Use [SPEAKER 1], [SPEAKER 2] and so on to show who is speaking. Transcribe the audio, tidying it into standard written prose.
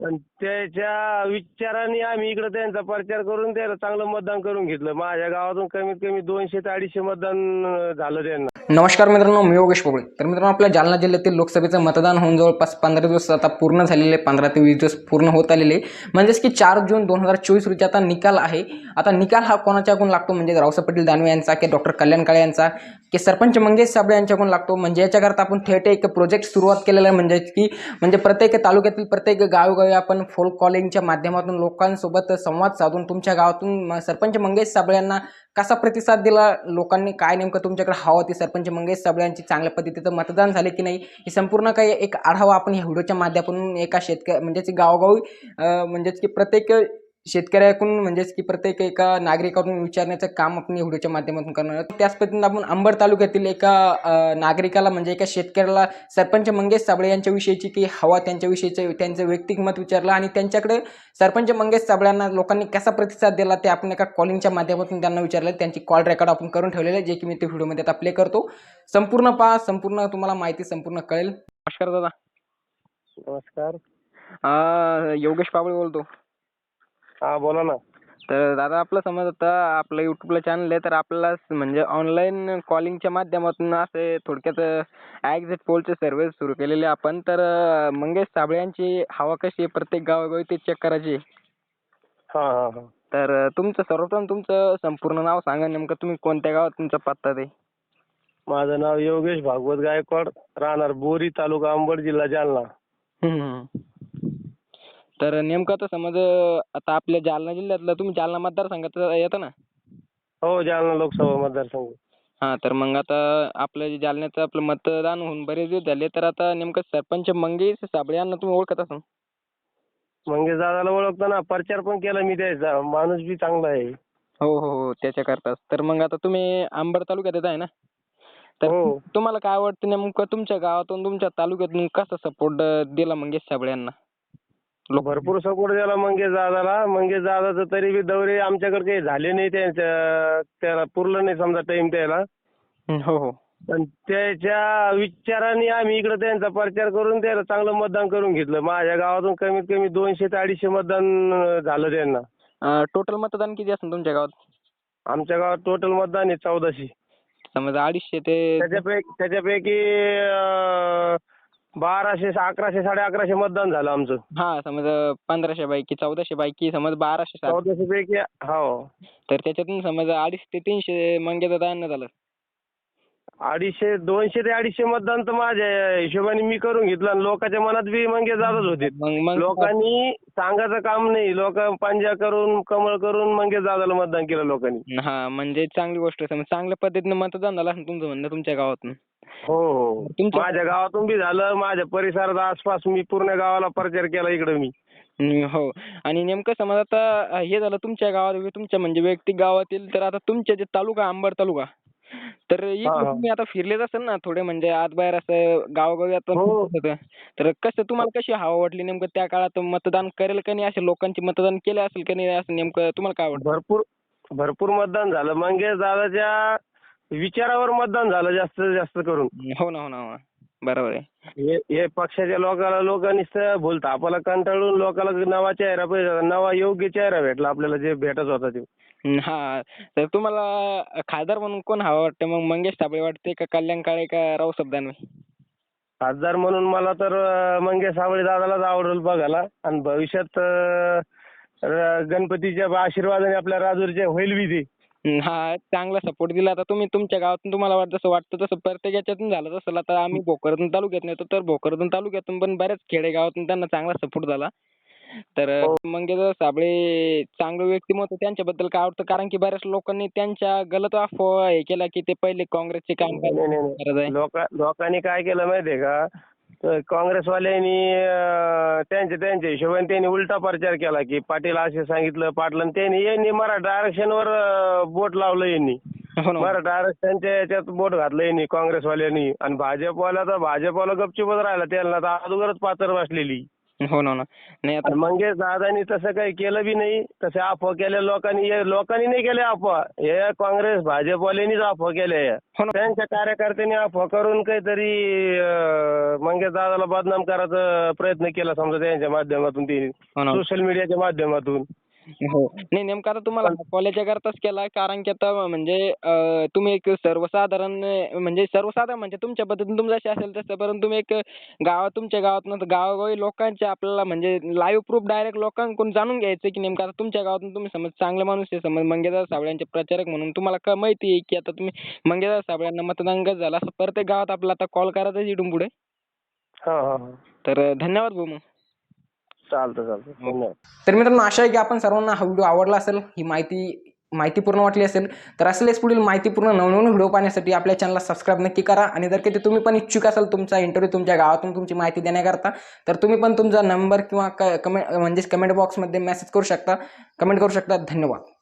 [SPEAKER 1] पण त्याच्या विचाराने आम्ही इकडे त्यांचा प्रचार करून त्याला चांगलं मतदान करून घेतलं. माझ्या गावातून कमीत कमी 200 ते 250 मतदान झालं त्यांना.
[SPEAKER 2] नमस्कार मित्रांनो, मी योगेश पोगळे. तर मित्रांनो, आपल्या जालना जिल्ह्यातील लोकसभेचं मतदान होऊन जवळपास 15 दिवस आता पूर्ण झालेले, 15 ते 20 दिवस पूर्ण होत आलेले. म्हणजेच की 4 जून 2024 रोजी आता निकाल आहे. आता निकाल हा कोणाच्याकडून लागतो, म्हणजे रावसाहेब पाटील दानवे यांचा की डॉक्टर कल्याण काळे यांचा की सरपंच मंगेश साबळे यांच्याकडून लागतो. म्हणजे याच्याकरता आपण थेट एक प्रोजेक्ट सुरुवात केलेला आहे. म्हणजे प्रत्येक तालुक्यातील प्रत्येक गावोगावी आपण फोन कॉलिंगच्या माध्यमातून लोकांसोबत संवाद साधून तुमच्या गावातून सरपंच मंगेश साबळे यांना कसा प्रतिसाद दिला, लोकांनी काय नेमकं तुमच्याकडे हवं होती, सरपंच मंगेश साबळे यांची चांगल्या पद्धतीचं मतदान झाले की नाही, हे संपूर्ण काही एक आढावा आपण या व्हिडिओच्या माध्यमातून एका म्हणजेच गावोगावी म्हणजेच की प्रत्येक शेतकऱ्याकडून म्हणजेच की प्रत्येक एका नागरिकाकडून विचारण्याचं काम आपण या व्हिडिओच्या माध्यमातून करणार आहोत. त्याच पद्धतीने आपण अंबड तालुक्यातील एका नागरिकाला म्हणजे एका शेतकऱ्याला सरपंच मंगेश साबळे यांच्याविषयीची की हवा, त्यांच्याविषयीचं त्यांचं वैयक्तिक मत विचारलं आणि त्यांच्याकडे सरपंच मंगेश साबळ्यांना लोकांनी कसा प्रतिसाद दिला ते आपण एका कॉलिंगच्या माध्यमातून त्यांना विचारलं. त्यांची कॉल रेकॉर्ड आपण करून ठेवलेलं आहे, जे की मी ते व्हिडिओमध्ये आता प्ले करतो. संपूर्ण पहा, संपूर्ण तुम्हाला माहिती संपूर्ण कळेल. नमस्कार दादा.
[SPEAKER 1] नमस्कार.
[SPEAKER 2] योगेश पाबळे बोलतो.
[SPEAKER 1] हा, बोला ना.
[SPEAKER 2] तर दादा, आपलं समज आता आपलं युट्यूबला चॅनल आहे, तर आपल्याला म्हणजे ऑनलाईन कॉलिंगच्या माध्यमातून असे थोडक्यात एक्झिट पोलचे सर्व्हे सुरू केलेले आपण. तर मंगेश साबळे यांची हवा कशी आहे प्रत्येक गावोगावी ते चेक करायची.
[SPEAKER 1] हा हा हा.
[SPEAKER 2] तर तुमचं सर्वप्रथम तुमचं संपूर्ण नाव सांगा, नेमकं तुम्ही कोणत्या गावात तुमचा पत्ता ते.
[SPEAKER 1] माझं नाव योगेश भागवत गायकवाड, राहणार बोरी, तालुका अंबड, जिल्हा जालना.
[SPEAKER 2] तर नेमकं आता समज आता आपल्या जालना जिल्ह्यातलं तुम्ही जालना मतदारसंघात येतं ना.
[SPEAKER 1] हो, जालना लोकसभा मतदारसंघ.
[SPEAKER 2] हां, तर मग आता आपलं जालन्याचं आपलं मतदान होऊन बरेच दिवस झाले, तर आता नेमकं सरपंच मंगेश साबळे यांना तुम्ही ओळखत असाल.
[SPEAKER 1] मंगेश दादाला ओळखतो ना, प्रचार पण केला मी त्याचा. माणूस बी चांगला आहे.
[SPEAKER 2] हो हो हो, त्याच्याकरताच. तर मग आता तुम्ही अंबड तालुक्यात येत आहे ना. तर
[SPEAKER 1] हो.
[SPEAKER 2] तुम्हाला काय वाटतं, नेमकं तुमच्या गावातून तुमच्या तालुक्यातून कसा सपोर्ट दिला मंगेश साबळे यांना?
[SPEAKER 1] भरपूर सपोर्ट दिला मंगेश दादाला. मंगेश दादाचं तरी बी दौरे आमच्याकडे काही झाले नाही, त्याला पुरलं नाही समजा टाइम त्याला.
[SPEAKER 2] हो हो.
[SPEAKER 1] पण त्याच्या विचाराने आम्ही इकडे त्यांचा प्रचार करून त्याला चांगलं मतदान करून घेतलं. माझ्या गावातून कमीत कमी 200 ते 250 मतदान झालं त्यांना.
[SPEAKER 2] टोटल मतदान किती असेल तुमच्या गावात?
[SPEAKER 1] आमच्या गावात टोटल मतदान आहे 1400.
[SPEAKER 2] समज 250 ते
[SPEAKER 1] त्याच्यापैकी 1200, 1100, 1150 मतदान झालं आमचं.
[SPEAKER 2] हां, समज 1500 पैकी 1400 पैकी समज 1200
[SPEAKER 1] 1400 पैकी. हो.
[SPEAKER 2] तर त्याच्यातून समज 250 ते 300 मंगेश दादांना झालं.
[SPEAKER 1] 200 ते 250 मतदान तर माझ्या हिशोबाने मी करून घेतलं आणि लोकांच्या मनात बी मंगेश दादाच होते.
[SPEAKER 2] मग
[SPEAKER 1] लोकांनी सांगायचं काम नाही, लोक पंजा करून कमळ करून मंगेश दादाला मतदान केलं लोकांनी.
[SPEAKER 2] हां, म्हणजे चांगली गोष्ट आहे. समज चांगल्या पद्धतीने मतदान झालं असेल तुमचं म्हणणं तुमच्या गावातून.
[SPEAKER 1] हो हो. माझ्या गावातून बी झालं, माझ्या परिसरात आसपास मी पूर्ण गावाला प्रचार केला इकडे मी.
[SPEAKER 2] हो. आणि नेमकं समज आता हे झालं तुमच्या गावात, तुमच्या म्हणजे वैयक्तिक गावातील. तर आता तुमच्या जे तालुका अंबड तालुका, तर इकडे तुम्ही आता फिरलेच असेल ना थोडे, म्हणजे आत बाहेर असं गावोगावी आता होतं. तर कसं तुम्हाला कशी हवा वाटली नेमकं त्या काळात, मतदान करेल का नाही, असे लोकांची मतदान केले असेल का नाही, असं नेमकं तुम्हाला काय वाटतं?
[SPEAKER 1] भरपूर मतदान झालं. मंगेश दादाच्या विचारावर मतदान झालं जास्तीत जास्त करून.
[SPEAKER 2] हो ना, हो ना, हो ना. बरोबर आहे.
[SPEAKER 1] हे पक्षाच्या लोकांनी बोलता आपल्याला कंटाळून लोकांना नवा चेहरा पाहिजे, नवा योग्य चेहरा भेटला आपल्याला, जे भेटत होता ते.
[SPEAKER 2] हां, तर तुम्हाला खासदार म्हणून कोण हवा वाटतं मग? मंगेश साबळे वाटते का कल्याण काळे का रावसाहेब दानवे?
[SPEAKER 1] खासदार म्हणून मला तर मंगेश साबळे दादालाच आवडेल बघायला. आणि भविष्यात गणपतीच्या आशीर्वादाने आपल्या राजूरचे होईल बी ते.
[SPEAKER 2] हा, चांगला सपोर्ट दिला. आता तुम्ही तुमच्या गावातून तुम्हाला वाटतं जसं वाटतं तसं प्रत्येक याच्यातून झालं तसं. आता आम्ही भोकरदन तालुक्यात येतो, तर भोकरदन तालुक्यातून पण बऱ्याच खेडेगावातून त्यांना चांगला सपोर्ट झाला. तर मंगेश चांगलं व्यक्तिमत्व, त्यांच्याबद्दल काय आवडतं, कारण की बऱ्याच लोकांनी त्यांच्या गलत अफवा हे केला की ते पहिले काँग्रेसचे काम करत आहे.
[SPEAKER 1] लोकांनी काय केलं माहितीये का, तर काँग्रेसवाल्यांनी त्यांच्या हिशोबाने त्यांनी उलटा प्रचार केला की पाटील असे सांगितलं, पाटलं यांनी मराठा आरक्षणावर बोट लावलं यांनी.
[SPEAKER 2] हो ना.
[SPEAKER 1] मराठा आरक्षणच्या याच्यात बोट घातलं यांनी काँग्रेसवाल्यांनी. आणि भाजपवाला गपचूपच राहिला, त्यांना तर अगोदरच पाचर बसलेली.
[SPEAKER 2] हो ना. नाही आता
[SPEAKER 1] आणि मंगेश दादानी तसं काही केलं बी नाही. तसे अफवा केल्या लोकांनी नाही केल्या अफवा. हे काँग्रेस भाजपवाल्यांनीच अफवा केल्या.
[SPEAKER 2] हो ना.
[SPEAKER 1] त्यांच्या कार्यकर्त्यांनी अफवा करून काहीतरी मंगेश दादाला बदनाम करायचा प्रयत्न केला समजा त्यांच्या माध्यमातून,
[SPEAKER 2] हो ना.
[SPEAKER 1] सोशल मीडियाच्या माध्यमातून.
[SPEAKER 2] हो. नाही नेमकं आता तुम्हाला कॉलेजच्या करताच केला कारण की आता म्हणजे तुम्ही एक सर्वसाधारण म्हणजे तुमच्या पद्धतीने तुमचं जसे असेल तसं, परंतु तुम्ही एक तुमच्या गावातून गावोगावी लोकांचे आपल्याला म्हणजे लाईव्ह प्रूफ डायरेक्ट लोकांकडून जाणून घ्यायचं की नेमकं आता तुमच्या गावातून तुम्ही समज चांगले माणूस आहे, समज मंगेशदादा साबळेंचे प्रचारक म्हणून तुम्हाला माहिती आहे की आता तुम्ही मंगेशदादा साबळेंना मतदान कसं झालं असं प्रत्येक गावात आपल्याला आता कॉल करायचा इथून पुढे.
[SPEAKER 1] हा.
[SPEAKER 2] तर धन्यवाद भाऊ मग.
[SPEAKER 1] चालतं. धन्यवाद.
[SPEAKER 2] तर मित्रांनो आशा आहे की आपण सर्वांना हा व्हिडिओ आवडला असेल, ही माहितीपूर्ण वाटली असेल. तर असलेच पुढील माहितीपूर्ण नवनवीन व्हिडिओ पाहण्यासाठी आपल्या चॅनलला सबस्क्राईब नक्की करा. आणि जर कधी तुम्ही पण इच्छुक असाल तुमचा इंटरव्ह्यू तुमच्या गावातून तुमची माहिती देण्याकरता, तर तुम्ही पण तुमचा नंबर किंवा कमेंट बॉक्समध्ये मेसेज करू शकता, कमेंट करू शकता. धन्यवाद.